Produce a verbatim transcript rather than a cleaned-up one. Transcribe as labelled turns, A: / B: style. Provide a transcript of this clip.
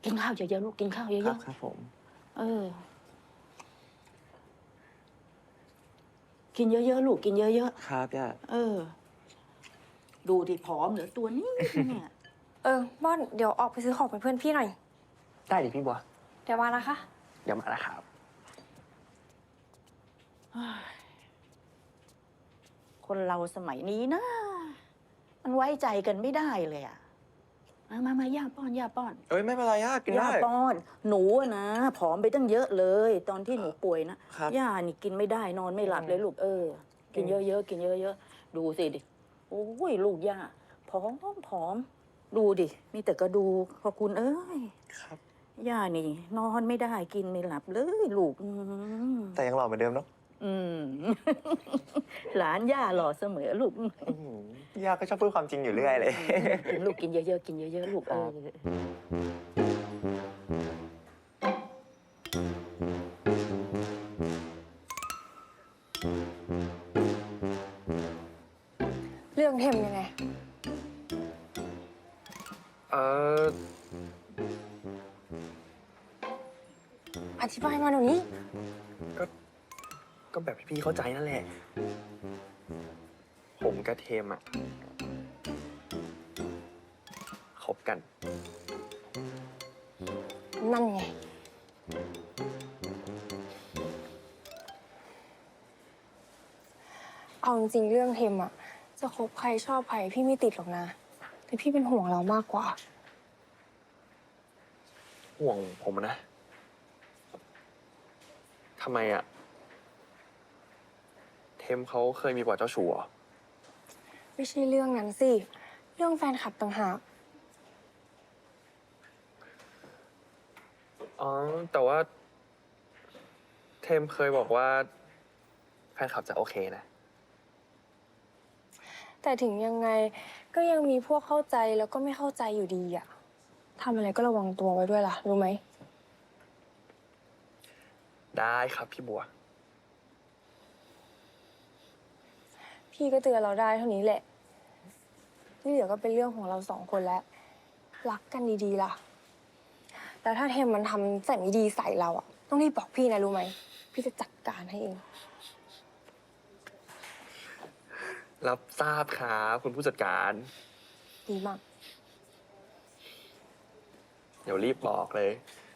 A: กินข้าวเยอะๆลูกกินข้าวเย
B: ครับ
A: อะ
B: ครับผม
A: ๆเออ กินเยอะๆลูกกินเยอะ
B: ครับย่า
A: ๆเออ ดูดิผอมเหลือตัวนี้เนี่ย
C: เออม่อนเดี๋ยวออกไปซื้อของเป็นเพื่อนพี่หน่อย
B: ได้ดิพี่บัว
C: เดี๋ยวมานะคะ
B: เดี๋ยวมาแล้วครับ
A: คนเราสมัยนี้นะ มันไว้ใจกันไม่ได้เลยอะมามามาย่าป้อนย่าป้อน
B: เอ้ยไม่เป็นไรย่ากิน
A: ย่า
B: ได้
A: ป้อน หนูอะนะผอมไปตั้งเยอะเลย ตอนที่หนูป่วยนะครับ ย่านี่กินไม่ได้นอนไม่หลับเลยลูกเออ กินเยอะๆกินเยอะๆดูสิดิโอ้ยลูกย่าผอมผอมดูดิมีแต่กระดูกพอคุณเอ้ย
B: ครับ
A: ย่านี่ นอนไม่ได้กินไม่หลับเลยลูกอืม
B: แต่ยังหล่อเหมือนเดิมเนาะ
A: อืม หลานย่าหล่อเสมอลูก
B: อื้อหือย่าก็ชอบพูดความจริงอยู่เรื่อยเลย
A: กินลูกกินเยอะๆกินเยอะๆลูกเออ
C: เรื่องเทมยังไง
B: เออ
C: อธิบายมาหน่อยนี้
B: ก็ ก็แบบที่พี่เข้าใจนั่นแหละ ผมกับเทมอะคบกัน
C: นั่นไง เอาจริงๆเรื่องเทมอะจะคบใครชอบใครพี่ไม่ติดหรอกนะ แต่พี่เป็นห่วงเรามากกว่า
B: ห่วงผมนะ ทำไมอะเทมเขาเคยมีประวัติเจ้าชู้เหรอ
C: ไม่ใช่เรื่องนั้นสิ เรื่องแฟนคลับต่างหาก
B: อ๋อ แต่ว่า เทมเคยบอกว่าแฟนคลับจะโอเคนะ
C: แต่ถึงยังไงก็ยังมีพวกเข้าใจแล้วก็ไม่เข้าใจอยู่ดีอะทำอะไรก็ระวังตัวไว้ด้วยล่ะ รู้ไหม
B: ได้ครับพี่บัว
C: พี่ก็เตือนเราได้เท่านี้แหละ ที่เหลือก็เป็นเรื่องของเราสองคนแล้ว รักกันดีๆล่ะ แล้วถ้าเทมมันทำใส่ไม่ดีใส่เราอะต้องรีบบอกพี่นะรู้ไหม พี่จะจัดการให้เอง
B: รับทราบครับคุณผู้จัดการ
C: ดีมาก
B: เดี๋ยวรีบบอกเลย
C: ไ